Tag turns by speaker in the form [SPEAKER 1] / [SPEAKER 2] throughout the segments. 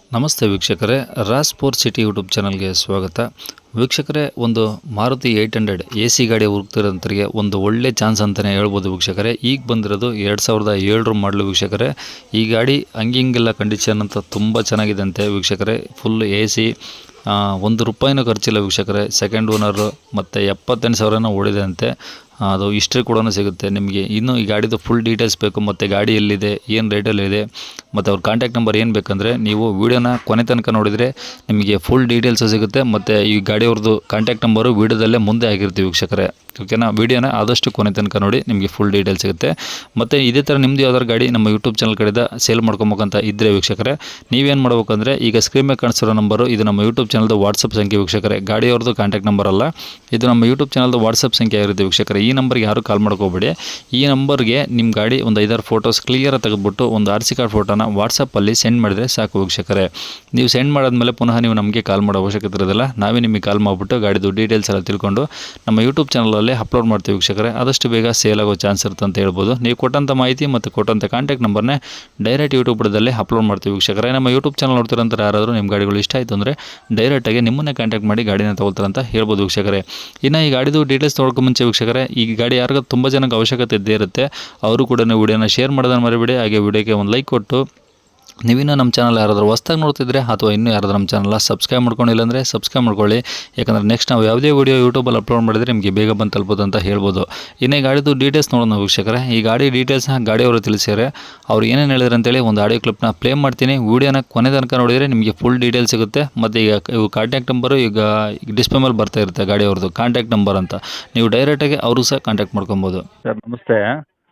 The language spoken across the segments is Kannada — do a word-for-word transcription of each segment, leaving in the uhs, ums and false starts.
[SPEAKER 1] ನಮಸ್ತೆ ವೀಕ್ಷಕರೇ, ರಾಸ್ ಸ್ಪೋರ್ಟ್ ಸಿಟಿ ಯೂಟ್ಯೂಬ್ ಚಾನಲ್ಗೆ ಸ್ವಾಗತ. ವೀಕ್ಷಕರೇ, ಒಂದು Maruti eight hundred A C ಗಾಡಿ ಹುಡುಕ್ತಿರೋಂಥವ್ರಿಗೆ ಒಂದು ಒಳ್ಳೆ ಚಾನ್ಸ್ ಅಂತಲೇ ಹೇಳ್ಬೋದು ವೀಕ್ಷಕರೇ. ಈಗ ಬಂದಿರೋದು ಎರಡು ಸಾವಿರದ ಏಳರ ಮಾಡಲು ವೀಕ್ಷಕರೇ. ಈ ಗಾಡಿ ಹಂಗಿಂಗೆಲ್ಲ ಕಂಡೀಷನ್ ಅಂತ ತುಂಬ ಚೆನ್ನಾಗಿದೆ ಅಂತೆ ವೀಕ್ಷಕರೇ. ಫುಲ್ ಎ ಸಿ, ಒಂದು ರೂಪಾಯಿನೂ ಖರ್ಚಿಲ್ಲ ವೀಕ್ಷಕರೇ. ಸೆಕೆಂಡ್ ಓನರು ಮತ್ತು ಎಪ್ಪತ್ತೆಂಟು ಸಾವಿರನ ಓಡಿದೆ ಅಂತೆ. ಅದು ಹಿಸ್ಟ್ರಿ ಕೂಡ ಸಿಗುತ್ತೆ ನಿಮಗೆ. ಇನ್ನು ಈ ಗಾಡಿದು ಫುಲ್ ಡೀಟೇಲ್ಸ್ ಬೇಕು, ಮತ್ತು ಗಾಡಿ ಎಲ್ಲಿದೆ, ಏನು ರೇಟಲ್ಲಿದೆ, ಮತ್ತು ಅವ್ರ ಕಾಂಟ್ಯಾಕ್ಟ್ ನಂಬರ್ ಏನು ಬೇಕಂದರೆ ನೀವು ವೀಡಿಯೋನ ಕೊನೆ ತನಕ ನೋಡಿದರೆ ನಿಮಗೆ ಫುಲ್ ಡೀಟೇಲ್ಸು ಸಿಗುತ್ತೆ. ಮತ್ತು ಈ ಗಾಡಿಯವ್ರದ್ದು ಕಾಂಟ್ಯಾಕ್ಟ್ ನಂಬರು ವೀಡಿಯೋದಲ್ಲೇ ಮುಂದೆ ಆಗಿರ್ತೀವಿ ವೀಕ್ಷಕರೇ. ಓಕೆನಾ? ವೀಡಿಯೋನ ಆದಷ್ಟು ಕೊನೆ ತನಕ ನೋಡಿ, ನಿಮಗೆ ಫುಲ್ ಡೀಟೇಲ್ಸ್ ಸಿಗುತ್ತೆ. ಮತ್ತು ಇದೇ ಥರ ನಿಮ್ಮದು ಯಾವ್ದಾದ್ರು ಗಾಡಿ ನಮ್ಮ ಯೂಟ್ಯೂಬ್ ಚಾನಲ್ ಕಡೆಯಿಂದ ಸೇಲ್ ಮಾಡ್ಕೊಬೇಕಂತ ಇದ್ದರೆ ವೀಕ್ಷಕರೇ, ನೀವೇನು ಮಾಡ್ಬೇಕಂದ್ರೆ ಈಗ ಸ್ಕ್ರೀನ್ ಮೇಲೆ ಕಾಣಿಸಿರೋ ನಂಬರು ಇದು ನಮ್ಮ ಯೂಟ್ಯೂಬ್ ಚಾನಲ್ದು ವಾಟ್ಸಪ್ ಸಂಖ್ಯೆ ವೀಕ್ಷಕರೇ. ಗಾಡಿಯವ್ರದ್ದು ಕಾಂಟ್ಯಾಕ್ಟ್ ನಂಬರ್ ಅಲ್ಲ, ಇದು ನಮ್ಮ ಯೂಟ್ಯೂಬ್ ಚಾನಲ್ದು ವಾಟ್ಸಪ್ ಸಂಖ್ಯೆ ಆಗಿರುತ್ತೆ ವೀಕ್ಷಕರೇ. ಈ ನಂಬರ್ಗೆ ಯಾರು ಕಾಲ್ ಮಾಡ್ಕೋಬೇಡಿ. ಈ ನಂಬರ್ಗೆ ನಿಮ್ಮ ಗಾಡಿ ಒಂದು ಐದಾರು ಫೋಟೋಸ್ ಕ್ಲಿಯರಾಗಿ ತೆಗೆದುಬಿಟ್ಟು ಒಂದು ಆರ್ ಸಿ ಕಾರ್ಡ್ ಫೋಟೋನ ವಾಟ್ಸಪ್ಪಲ್ಲಿ ಸೆಂಡ್ ಮಾಡಿದರೆ ಸಾಕು ವೀಕ್ಷಕರೇ. ನೀವು ಸೆಂಡ್ ಮಾಡಾದ್ಮೇಲೆ ಪುನಃ ನೀವು ನಮಗೆ ಕಾಲ್ ಮಾಡೋ ಅವಶ್ಯಕತೆ ಇರೋದಿಲ್ಲ. ನಾವೇ ನಿಮಗೆ ಕಾಲ್ ಮಾಡಿಬಿಟ್ಟು ಗಾಡಿದು ಡೀಟೇಲ್ಸ್ ಎಲ್ಲ ತಿಳ್ಕೊಂಡು ನಮ್ಮ ಯೂಟ್ಯೂಬ್ ಚಾನಲಲ್ಲಿ ಅಪ್ಲೋಡ್ ಮಾಡ್ತೀವಿ ವೀಕ್ಷಕರೇ. ಆದಷ್ಟು ಬೇಗ ಸೇಲ್ ಆಗೋ ಚಾನ್ಸ್ ಇರುತ್ತೆ ಅಂತ ಹೇಳ್ಬೋದು. ನೀವು ಕೊಟ್ಟಂಥ ಮಾಹಿತಿ ಮತ್ತು ಕೊಟ್ಟಂಥ ಕಾಂಟ್ಯಾಕ್ಟ್ ನಂಬರ್ನೇ ಡೈರೆಕ್ಟ್ ಯೂಟ್ಯೂಬ್ದಲ್ಲಿ ಅಪ್ಲೋಡ್ ಮಾಡ್ತೀವಿ ವೀಕ್ಷಕರೇ. ನಮ್ಮ ಯೂಟ್ಯೂಬ್ ಚಾನಲ್ ನೋಡ್ತಿರೋಂಥ ಯಾರಾದರೂ ನಿಮ್ಮ ಗಾಡಿಗಳು ಇಷ್ಟ ಆಯಿತು ಅಂದರೆ ಡೈರೆಕ್ಟಾಗಿ ನಿಮ್ಮನ್ನೇ ಕಾಂಟ್ಯಾಕ್ಟ್ ಮಾಡಿ ಗಾಡಿನ ತೊಗೊಳ್ತಾರಂತ ಹೇಳ್ಬೋದು ವೀಕ್ಷಕರೇ. ಇನ್ನು ಈ ಗಾಡಿದು ಡೀಟೇಲ್ಸ್ ತೊಗೊಳಕ್ಕೆ ಮುಂಚೆ ವೀಕ್ಷಕರೇ, ಈ ಗಾಡಿ ಯಾರಿಗೂ ತುಂಬ ಜನಕ್ಕೆ ಅವಶ್ಯಕತೆ ಇದ್ದೇ ಇರುತ್ತೆ. ಅವರು ಕೂಡ ನೀವು ವಿಡಿಯೋನ ಶೇರ್ ಮಾಡೋದನ್ನು ಮರಿಬೇಡಿ. ಹಾಗೆ ವಿಡಿಯೋಗೆ ಒಂದು ಲೈಕ್ ಕೊಟ್ಟು, ನೀವಿನ್ನೂ ನಮ್ಮ ಚಾನಲ್ ಯಾರಾದರೂ ಹೊಸ್ದಾಗಿ ನೋಡ್ತಿದ್ರೆ ಅಥವಾ ಇನ್ನೂ ಯಾರಾದರೂ ನಮ್ಮ ಚಾನಲ್ ಸಬ್ಸ್ಕ್ರೈಬ್ ಮಾಡ್ಕೊಂಡಿಲ್ಲ ಅಂದರೆ ಸಬ್ಸ್ಕ್ರೈಬ್ ಮಾಡ್ಕೊಳ್ಳಿ. ಯಾಕಂದರೆ ನೆಕ್ಸ್ಟ್ ನಾವು ಯಾವುದೇ ವೀಡಿಯೋ ಯೂಟ್ಯೂಬಲ್ಲಿ ಅಪ್ಲೋಡ್ ಮಾಡಿದರೆ ನಿಮಗೆ ಬೇಗ ಬಂದು ತಲುಪೋದು ಅಂತ ಹೇಳ್ಬೋದು. ಇನ್ನೇ ಗಾಡಿದು ಡೀಟೇಲ್ಸ್ ನೋಡೋಣ ವೀಕ್ಷಕರೇ. ಈ ಗಾಡಿ ಡೀಟೇಲ್ಸ್ನ ಗಾಡಿಯವರು ತಿಳಿಸ್ಯಾರೆ. ಅವ್ರು ಏನೇನು ಹೇಳಿದ್ರು ಅಂತೇಳಿ ಒಂದು ಆಡಿಯೋ ಕ್ಲಿಪ್ನ ಪ್ಲೇ ಮಾಡ್ತೀನಿ. ವೀಡಿಯೋನ ಕೊನೆ ತನಕ ನೋಡಿದರೆ ನಿಮಗೆ ಫುಲ್ ಡೀಟೇಲ್ಸ್ ಸಿಗುತ್ತೆ. ಮತ್ತು ಈಗ ಇವು ಕಾಂಟ್ಯಾಕ್ಟ್ ನಂಬರು ಈಗ ಡಿಸ್ಪ್ಲೇ ಮೇಲೆ ಬರ್ತಾ ಇರುತ್ತೆ ಗಾಡಿಯವ್ರದ್ದು ಕಾಂಟ್ಯಾಕ್ಟ್ ನಂಬರ್ ಅಂತ. ನೀವು ಡೈರೆಕ್ಟಾಗಿ ಅವರು ಸಹ ಕಾಂಟ್ಯಾಕ್ಟ್ ಮಾಡ್ಕೊಬೋದು.
[SPEAKER 2] ಸರ್ ನಮಸ್ತೆ.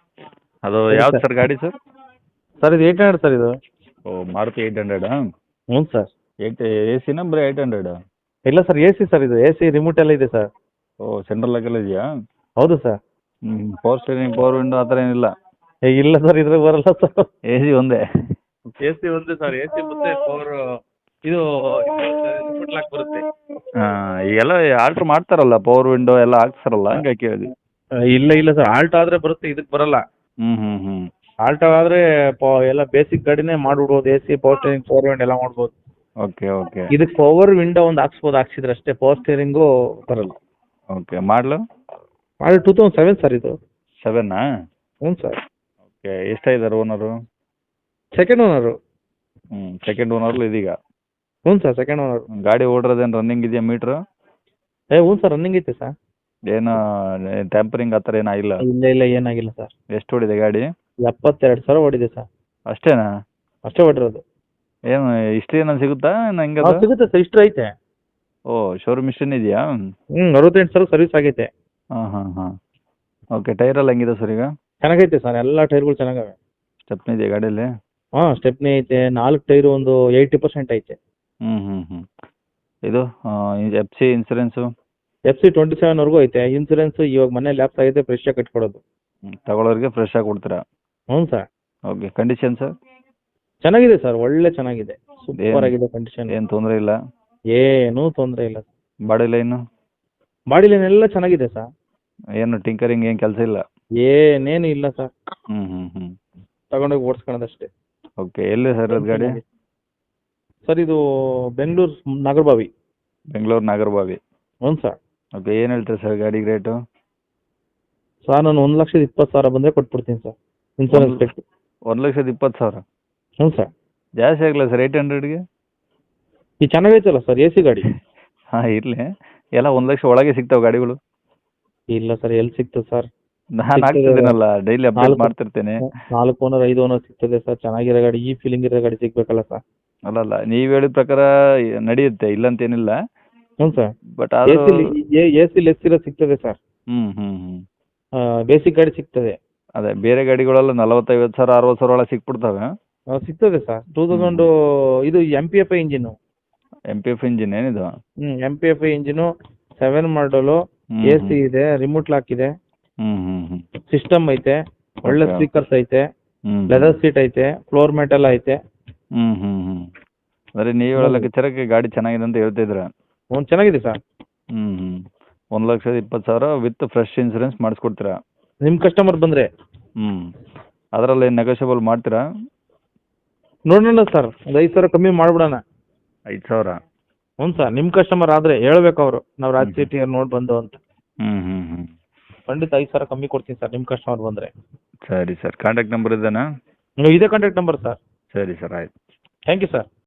[SPEAKER 2] ಅದು ಯಾವ್ದು ಸರ್ ಗಾಡಿ ಸರ್?
[SPEAKER 3] ಸರ್ ಇದು ಏಯ್ಟ್ ಹಂಡ್ರೆಡ್ ಸರ್ ಇದು.
[SPEAKER 2] ಓ, ಮಾರುತಿ ಏಯ್ಟ್ ಹಂಡ್ರೆಡಾ?
[SPEAKER 3] ಹ್ಞೂ ಸರ್.
[SPEAKER 2] ಏಯ್ಟ್ ಎ ಸಿನ ಬರೀ ಏಯ್ಟ್ ಹಂಡ್ರೆಡಾ?
[SPEAKER 3] ಇಲ್ಲ ಸರ್, ಎ ಸಿ ಸರ್ ಇದು. ಎ ಸಿ ರಿಮೋಟ್ ಎಲ್ಲ ಇದೆ ಸರ್.
[SPEAKER 2] ಓ, ಸೆಂಟ್ರಲ್ ಲಾಕೆಲ್ಲ ಇದೆಯಾ?
[SPEAKER 3] ಹೌದು ಸರ್.
[SPEAKER 2] ಹ್ಞೂ. ಪವರ್ ಸ್ಟೇರಿಂಗ್, ಪವರ್ ವಿಂಡೋ ಆ ಥರ ಏನಿಲ್ಲ?
[SPEAKER 3] ಏ ಇಲ್ಲ ಸರ್, ಇದ್ರಾಗ ಬರಲ್ಲ ಸರ್.
[SPEAKER 2] ಎ ಸಿ ಒಂದೇ?
[SPEAKER 3] ಎ ಸಿ ಒಂದೇ ಸರ್. ಎ ಸಿ ಮತ್ತೆ ಪವರ್ ಇದು ರಿಮೋಟ್ ಲಾಕ್ ಬರುತ್ತೆ.
[SPEAKER 2] ಹಾಂ, ಈಗೆಲ್ಲ ಆರ್ಡ್ರ್ ಮಾಡ್ತಾರಲ್ಲ ಪವರ್ ವಿಂಡೋ ಎಲ್ಲ ಹಾಕ್ತಾರಲ್ಲ, ಹಂಗೆ ಕೇಳಿದ್ವಿ.
[SPEAKER 3] ಆ, ಇಲ್ಲ ಇಲ್ಲ ಸರ್, ಆಲ್ಟ್ ಆದರೆ ಬರುತ್ತೆ, ಇದಕ್ಕೆ ಬರಲ್ಲ.
[SPEAKER 2] ಹ್ಞೂ ಹ್ಞೂ ಹ್ಞೂ
[SPEAKER 3] ಆಲ್ಟ್ ಆದರೆ ಪ ಎಲ್ಲ ಬೇಸಿಕ್ ಗಾಡಿನೇ ಮಾಡ್ಬಿಡ್ಬೋದು. A C, power steering, power window ಎಲ್ಲ ಮಾಡ್ಬೋದು.
[SPEAKER 2] ಓಕೆ ಓಕೆ
[SPEAKER 3] ಇದಕ್ಕೆ ಪವರ್ ವಿಂಡೋ ಒಂದು ಹಾಕ್ಸ್ಬೋದು, ಹಾಕ್ಸಿದ್ರೆ ಅಷ್ಟೇ. ಪವರ್ ಸ್ಟೇರಿಂಗು ಬರಲ್ಲ.
[SPEAKER 2] ಓಕೆ. ಮಾಡಲು
[SPEAKER 3] ಮಾಡಿ ಟೂ ತೌಸಂಡ್ ಸೆವೆನ್ ಸರ್ ಇದು.
[SPEAKER 2] ಸೆವೆನ್ನಾ?
[SPEAKER 3] ಹ್ಞೂ ಸರ್.
[SPEAKER 2] ಓಕೆ. ಎಷ್ಟಾಗಿದ್ದಾರೆ ಓನರು?
[SPEAKER 3] Second owner.
[SPEAKER 2] ಹ್ಞೂ, ಸೆಕೆಂಡ್ ಓನರ್ಲು ಇದೀಗ?
[SPEAKER 3] ಹ್ಞೂ ಸರ್, ಸೆಕೆಂಡ್ ಓನರು.
[SPEAKER 2] ಗಾಡಿ ಓಡಿರೋದೇನು ರನ್ನಿಂಗ್ ಇದೆಯಾ ಮೀಟ್ರು?
[SPEAKER 3] ಏ ಹ್ಞೂ ಸರ್, ರನ್ನಿಂಗ್ ಐತೆ ಸರ್.
[SPEAKER 2] ಏನು ಟ್ಯಾಂಪರಿಂಗ್ ಆ ಥರ ಏನೂ ಆಗಿಲ್ಲ?
[SPEAKER 3] ಇಲ್ಲ ಇಲ್ಲ, ಏನಾಗಿಲ್ಲ ಸರ್.
[SPEAKER 2] ಎಷ್ಟು ಓಡಿದೆ ಗಾಡಿ?
[SPEAKER 3] ಎಪ್ಪತ್ತೆರಡು ಸಾವಿರ ಓಡಿದೆ ಸರ್.
[SPEAKER 2] ಅಷ್ಟೇನಾ?
[SPEAKER 3] ಅಷ್ಟೇ ಹೊಡಿರೋದು.
[SPEAKER 2] ಏನು ಹಿಸ್ಟ್ರಿ ಏನಾದ್ರು ಸಿಗುತ್ತಾ ಹೆಂಗೆ
[SPEAKER 3] ಹಾಂ,
[SPEAKER 2] ಅದು?
[SPEAKER 3] ಸಿಗುತ್ತೆ ಸರ್, ಇಷ್ಟು ಐತೆ.
[SPEAKER 2] ಓ, ಶೋರೂಮ್ ಹಿಸ್ಟ್ರಿನೇ ಇದೆಯಾ?
[SPEAKER 3] ಹ್ಞೂ, ಅರವತ್ತೆಂಟು ಸಾವಿರ ಸರ್ವಿಸ್ ಆಗೈತೆ.
[SPEAKER 2] ಹಾಂ ಹಾಂ ಹಾಂ ಓಕೆ. ಟೈರೆಲ್ಲ ಹೆಂಗಿದೆ ಸರ್ ಈಗ?
[SPEAKER 3] ಚೆನ್ನಾಗೈತೆ ಸರ್, ಎಲ್ಲ ಟೈರ್ಗಳು ಚೆನ್ನಾಗವೆ.
[SPEAKER 2] ಸ್ಟೆಪ್ನಿ ಇದೆಯಾ ಗಾಡೀಲಿ?
[SPEAKER 3] ಹಾಂ, ಸ್ಟೆಪ್ನಿ ಐತೆ. ನಾಲ್ಕು ಟೈರು ಒಂದು ಏಯ್ಟಿ ಪರ್ಸೆಂಟ್ ಐತೆ.
[SPEAKER 2] ಹ್ಞೂ ಹ್ಞೂ ಹ್ಞೂ ಇದು F C insurance?
[SPEAKER 3] F C twenty ಸೆವೆನ್ವರೆಗೂ ಐತೆ. ಇನ್ಸೂರೆನ್ಸ್ ಇವಾಗ ಮನೆ ಲ್ಯಾಪ್ಸ್ ಆಗಿದೆ, ಫ್ರೆಶ್ ಆಗಿ ಕಟ್ಕೊಡೋದು.
[SPEAKER 2] ಹ್ಞೂ, ತಗೊಳ್ಳೋರಿಗೆ ಫ್ರೆಶ್ ಆಗಿ ಕೊಡ್ತೀರಾ?
[SPEAKER 3] ಹ್ಞೂ ಸರ್.
[SPEAKER 2] ಓಕೆ. Condition sir?
[SPEAKER 3] ಚೆನ್ನಾಗಿದೆ ಸರ್, ಒಳ್ಳೆ ಚೆನ್ನಾಗಿದೆ. ಸೂಪರ್ ಆಗಿದೆ ಕಂಡೀಷನ್.
[SPEAKER 2] ಏನು ತೊಂದರೆ ಇಲ್ಲ?
[SPEAKER 3] ಏನೂ ತೊಂದರೆ ಇಲ್ಲ.
[SPEAKER 2] Body line?
[SPEAKER 3] ಬಾಡಿ ಲೈನ್ ಎಲ್ಲ ಚೆನ್ನಾಗಿದೆ ಸರ್.
[SPEAKER 2] ಏನು ಟಿಂಕರಿಂಗ್ ಏನು ಕೆಲಸ ಇಲ್ಲ?
[SPEAKER 3] ಏನೇನು ಇಲ್ಲ ಸರ್.
[SPEAKER 2] ಹ್ಞೂ ಹ್ಞೂ ಹ್ಞೂ
[SPEAKER 3] ತಗೊಂಡೋಗಿ ಓಡಿಸ್ಕೊಳ್ಳೋದಷ್ಟೇ.
[SPEAKER 2] ಓಕೆ. ಎಲ್ಲಿ ಸರ್ ಅದು ಗಾಡಿ?
[SPEAKER 3] ಸರ್ ಇದು ಬೆಂಗಳೂರು ನಾಗರಬಾವಿ.
[SPEAKER 2] ಬೆಂಗಳೂರು ನಾಗರಬಾವಿ?
[SPEAKER 3] ಹ್ಞೂ ಸರ್.
[SPEAKER 2] ಓಕೆ. ಏನು ಹೇಳ್ತೀರಾ ಸರ್ ಗಾಡಿಗೆ ರೇಟು?
[SPEAKER 3] ಸರ್ ನಾನು ಒಂದು ಲಕ್ಷದ ಇಪ್ಪತ್ತು ಸಾವಿರ ಬಂದರೆ ಕೊಟ್ಬಿಡ್ತೀನಿ ಸರ್, ಇನ್ಸೂರೆನ್ಸ್ ಬೇಕು.
[SPEAKER 2] ಒಂದು ಲಕ್ಷದ ಇಪ್ಪತ್ತು ಸಾವಿರ?
[SPEAKER 3] ಹ್ಞೂ ಸರ್.
[SPEAKER 2] ಜಾಸ್ತಿ ಆಗಲ್ಲ ಸರ್ ಏಯ್ಟ್ ಹಂಡ್ರೆಡ್ಗೆ?
[SPEAKER 3] ಈ ಚೆನ್ನಾಗೈತಲ್ಲ ಸರ್ ಎ ಸಿ ಗಾಡಿ.
[SPEAKER 2] ಹಾಂ, ಇರಲಿ. ಎಲ್ಲ ಒಂದು ಲಕ್ಷ ಒಳಗೆ ಸಿಗ್ತಾವೆ ಗಾಡಿಗಳು?
[SPEAKER 3] ಇಲ್ಲ ಸರ್, ಎಲ್ಲಿ ಸಿಗ್ತದೆ ಸರ್?
[SPEAKER 2] ನಾನು ಹಾಕ್ತಿದ್ದೀನಲ್ಲ, ಡೈಲಿ ಅಪ್ಡೇಟ್
[SPEAKER 3] ನಾಲ್ಕು-
[SPEAKER 2] ಮಾಡ್ತಿರ್ತೇನೆ.
[SPEAKER 3] ನಾಲ್ಕು ಓನರ್ ಐದು ಓನರ್ ಸಿಗ್ತದೆ ಸರ್. ಚೆನ್ನಾಗಿರೋ ಗಾಡಿ, ಈ ಫೀಲಿಂಗ್ ಇರೋ ಗಾಡಿ ಸಿಗ್ಬೇಕಲ್ಲ ಸರ್.
[SPEAKER 2] ಅಲ್ಲಲ್ಲ, ನೀವು ಹೇಳಿದ ಪ್ರಕಾರ ನಡೆಯುತ್ತೆ, ಇಲ್ಲಂತೇನಿಲ್ಲ.
[SPEAKER 3] ಹ್ಞೂ ಸರ್.
[SPEAKER 2] ಬಟ್
[SPEAKER 3] ಎ
[SPEAKER 2] ಆದರೂ
[SPEAKER 3] ಸಿ ಎ ಸಿ ಲೆಸ್ ಇರೋ ಸಿಗ್ತದೆ ಸರ್.
[SPEAKER 2] ಹ್ಞೂ ಹ್ಞೂ ಹ್ಞೂ
[SPEAKER 3] ಬೇಸಿಕ್ ಗಾಡಿ ಸಿಗ್ತದೆ.
[SPEAKER 2] ಅದೇ ಬೇರೆ ಗಾಡಿಗಳೆಲ್ಲ ನಲವತ್ತೈವತ್ತು ಸಾವಿರ ಅರವತ್ತು ಸಾವಿರ ಒಳಗೆ ಸಿಕ್ಬಿಡ್ತವೆ.
[SPEAKER 3] ಆ, ಸಿಗ್ತದೆ ಸರ್. ಟೂ ತೌಸಂಡು ಇದು M P F I engine.
[SPEAKER 2] M P F engine ಏನಿದು?
[SPEAKER 3] ಹ್ಞೂ, M P F I engine, seven model,
[SPEAKER 2] ಹ್ಮ್,
[SPEAKER 3] ಎ ಸಿ ಇದೆ, ರಿಮೋಟ್ ಲಾಕ್ ಇದೆ,
[SPEAKER 2] ಹ್ಞೂ ಹ್ಞೂ ಹ್ಞೂ
[SPEAKER 3] ಸಿಸ್ಟಮ್ ಐತೆ, ಒಳ್ಳೆ
[SPEAKER 2] Okay.
[SPEAKER 3] ಸ್ಪೀಕರ್ಸ್ ಐತೆ,
[SPEAKER 2] ಹ್ಞೂ
[SPEAKER 3] ಲೆದರ್ ಸೀಟ್ ಐತೆ, ಫ್ಲೋರ್ ಮ್ಯಾಟ್ ಎಲ್ಲ ಐತೆ.
[SPEAKER 2] ಹ್ಞೂ ಹ್ಞೂ ಹ್ಞೂ ಅಂದರೆ ನೀವು ಹೇಳೋ ಲೆಕ್ಕಾಚಾರಕ್ಕೆ ಗಾಡಿ ಚೆನ್ನಾಗಿದೆ ಅಂತ ಹೇಳ್ತಿದ್ರ?
[SPEAKER 3] ಹ್ಞೂ, ಚೆನ್ನಾಗಿದೆ ಸರ್.
[SPEAKER 2] ಹ್ಞೂ ಹ್ಞೂ ಒಂದು ಲಕ್ಷದ ಇಪ್ಪತ್ತು ಸಾವಿರ ವಿತ್ ಫ್ರೆಶ್ ಇನ್ಸೂರೆನ್ಸ್ ಮಾಡಿಸ್ಕೊಡ್ತೀರಾ?
[SPEAKER 3] ನಿಮ್ಮ ಕಸ್ಟಮರ್ ಬಂದರೆ.
[SPEAKER 2] ಹ್ಞೂ ಅದರಲ್ಲಿ ನೆಗೋಷಿಯಬಲ್ ಮಾಡ್ತೀರಾ?
[SPEAKER 3] ನೋಡೋಣ ಸರ್, ಒಂದು ಐದು ಸಾವಿರ ಕಮ್ಮಿ ಮಾಡಿಬಿಡೋಣ.
[SPEAKER 2] ಐದು ಸಾವಿರ
[SPEAKER 3] ಹ್ಞೂ ಸರ್ ನಿಮ್ಮ ಕಸ್ಟಮರ್ ಆದರೆ ಹೇಳ್ಬೇಕು ಅವರು ನಾವು ರಾಜ್
[SPEAKER 2] ಹ್ಮ್.
[SPEAKER 3] ಸಿಟಿ ನೋಡಿ ಬಂದು ಅಂತ.
[SPEAKER 2] ಹ್ಞೂ ಹ್ಞೂ ಹ್ಞೂ
[SPEAKER 3] ಖಂಡಿತ ಐದು ಸಾವಿರ ಕಮ್ಮಿ ಕೊಡ್ತೀನಿ ಸರ್ ನಿಮ್ಮ ಕಸ್ಟಮರ್ ಬಂದರೆ.
[SPEAKER 2] ಸರಿ ಸರ್ ಕಾಂಟ್ಯಾಕ್ಟ್ ನಂಬರ್ ಇದೇನಾ?
[SPEAKER 3] ಇದೇ ಕಾಂಟ್ಯಾಕ್ಟ್ ನಂಬರ್ ಸರ್.
[SPEAKER 2] ಸರಿ ಸರ್ ಆಯ್ತು.
[SPEAKER 3] Thank you sir.